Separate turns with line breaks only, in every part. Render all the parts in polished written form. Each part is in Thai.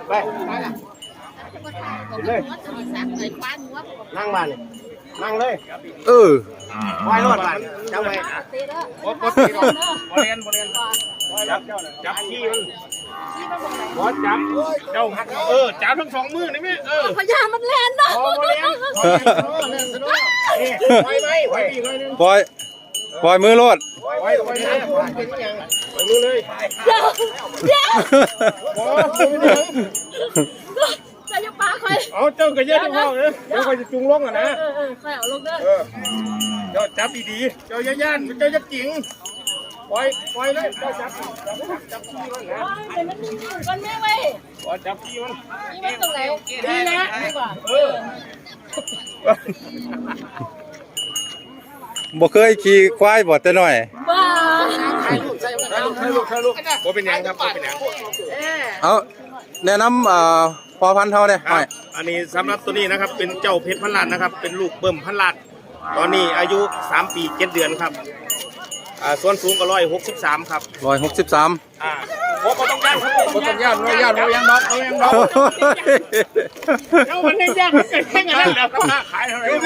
ไปเลยนั่งมาเลยนั่งเลยไว้รอดมันจับไว้บดตีก่อนบริเวณจับขี้มันบดจับเจ้าจับทั้งสองมือนี่ไหม
พญามันแลนเนาะ
ปล่อยมือโลด
ไว้เป็นยังมือเลย
เดี๋ยวจะปลาคอย
เอาเจ้ากระเจี๊ยบเข้าเลยเดี๋ยวคอยจะจุงลงอ่ะนะ
คอยเอาลงเด้อ
เจ้าจับดีๆเจ้าย่านเจ้าจะจริงปล่อยเลยเจ้าจับขี้มันนะ
มันไม่ไว้
จับขี้มัน
นี่มันตรงไหนนี่นะดีกว่า
บ่เคยขี่ควายบ่แต่น้อย
บ้า
ใครลูกบ่เป็นยังครับบ่เป็นยัง
เอาแนะนำพอพันธุ์เท่าเนี่ย
อันนี้สำหรับตัวนี้นะครับเป็นเจ้าเพชรพันล้านนะครับเป็นลูกเบิ่มพันล้านตอนนี้อายุ3 ปี 7 เดือนครับส่วนสูงก็163ครับ
163
ผมต้องย่างครับผมต้องย่างน้องเจ้ามันย่างมันเกิดแค่นั้นแหละขายเท่าไหร่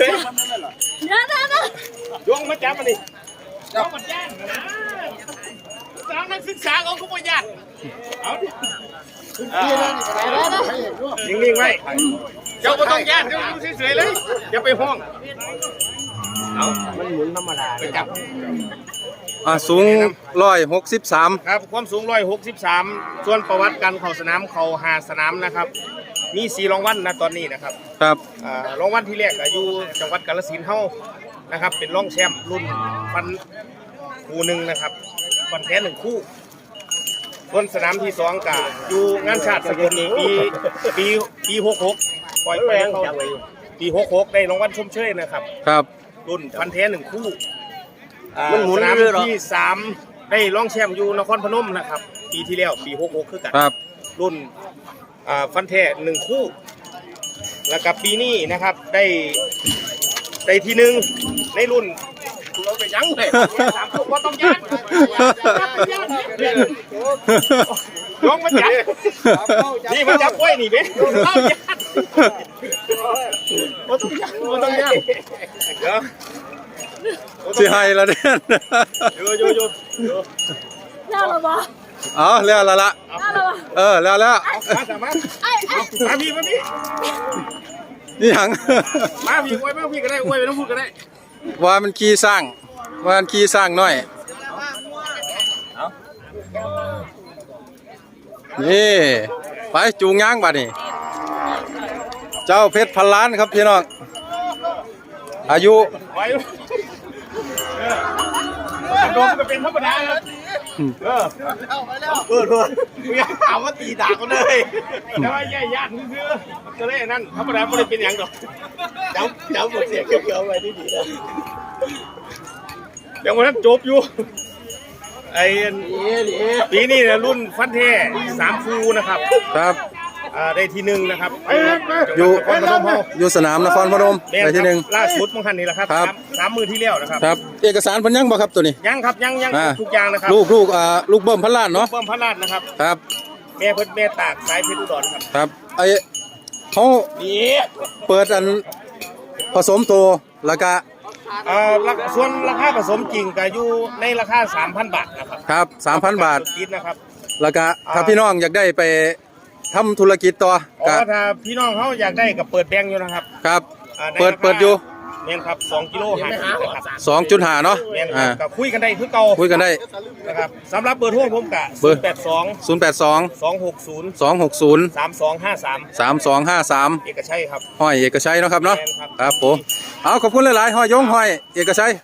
ยงมาจับมันดิเจ้ามันย่างนะสาวนักศึกษาเขาก็ไม่ย่างเอาดินิ่งๆไว้เจ้าก็ต้องย่างเจ้าดูเฉยๆเลยอย่าไปห้องเอามันหมุนธรรมดาไปจับ
สูง163
ครับความสูง163ส่วนประวัติการเข้าสนามเขา5 สนามนะครับมี4 รางวัลนะตอนนี้นะครับ
ครับ
รางวัลที่แรกอยู่จังหวัดกาฬสินธุ์เฮานะครับเป็นรองแชมป์รุ่นฟันคู่หนึ่งนะครับฟันแท้1 คู่ส่วนสนามที่2ก็อยู่งานชาติสกลปี66ปล่อยไปเขาปี66ได้รางวัลชมเชยนะครับ
ครับ
รุ่นฟันแท้1 คู่สนามที่3ได้รองแชมป์อยู่นครพนมนะครับปีที่แล้วปี66คือกันรุ่นฟันแท้1 คู่แล้วกับปีนี้นะครับได้ที่1ในรุ่นเราไปยั้งเลย3 คู่ก็ต้องย่างลงมาจับนี่มาจับไว้นี่เบ้เข้าย่างต้องย่างเดี๋ยว
สิให้ละเนี่ย
อยู่
แล้วหรอบ่
แล้วละแล้ว
มาพี่
นี่หัง
มาพี่อวยมาพี่ก็ได้อวยไปน้องพูดก็ได้
ว่ามันขี่สร้างหน่อยนี่ไปจูงย่างบัดนี่เจ้าเพชรพันล้านครับพี่น้องอายุ
โดนก็เป็นธรรมดาครับไม่ถามว่าตีด่ากันเลยแต่ว่าแย่ญาติซื้อก็เลยนั่นธรรมดาไม่ได้เป็นอย่างหรอกเจ้าหมดเสียเกี่ยวๆไว้ดีๆนะยังวันนั้นจบอยู่ไอ้ปีนี้นะรุ่นฟันแท้3 คู่นะครับได้ที่1นะครับ
อยู่สนามนครพนมได้ที่1
ล่าสุดเมื่อคันนี้แหละครับ3 มือที่แล้วนะครับ
เอกสารพันยังบ่ครับตัวนี้
ยังครับยังทุกอย่างนะครับ
ลูกเบิ่มพันล้านเนาะ
เบิ่มพันล้านนะครับ
ครับ
แม่เพิ่นแม่ตากสายเพชรอุดร
ครับไอ้เขาเปิดอันผสมโตแล้วก็
ส่วนราคาผสมจริงก็อยู่ในราคา 3,000 บาทนะครับ
ครับ 3,000 บาท
นะครับ
แล้วก็ถ้าพี่น้องอยากได้ไปทำธุรกิจต่อ
ถ้าพี่น้องเขาอยากได้ก็เปิดแบงค์อยู่นะครับ
ครับเปิดอยู่
เนี่ยครับ2 กิโล5 ครับ
2.5 เนาะ
ก็คุยกันได้คือเก่า
คุยกันได้
นะครับสำหรับเบอร์โทรผมกะ
082
260 3253 เอกชัยครับ
ห้อยเอกชัยเนาะครับเนาะครับผมขอบคุณหลายๆห้อยยงห้อยเอกชัย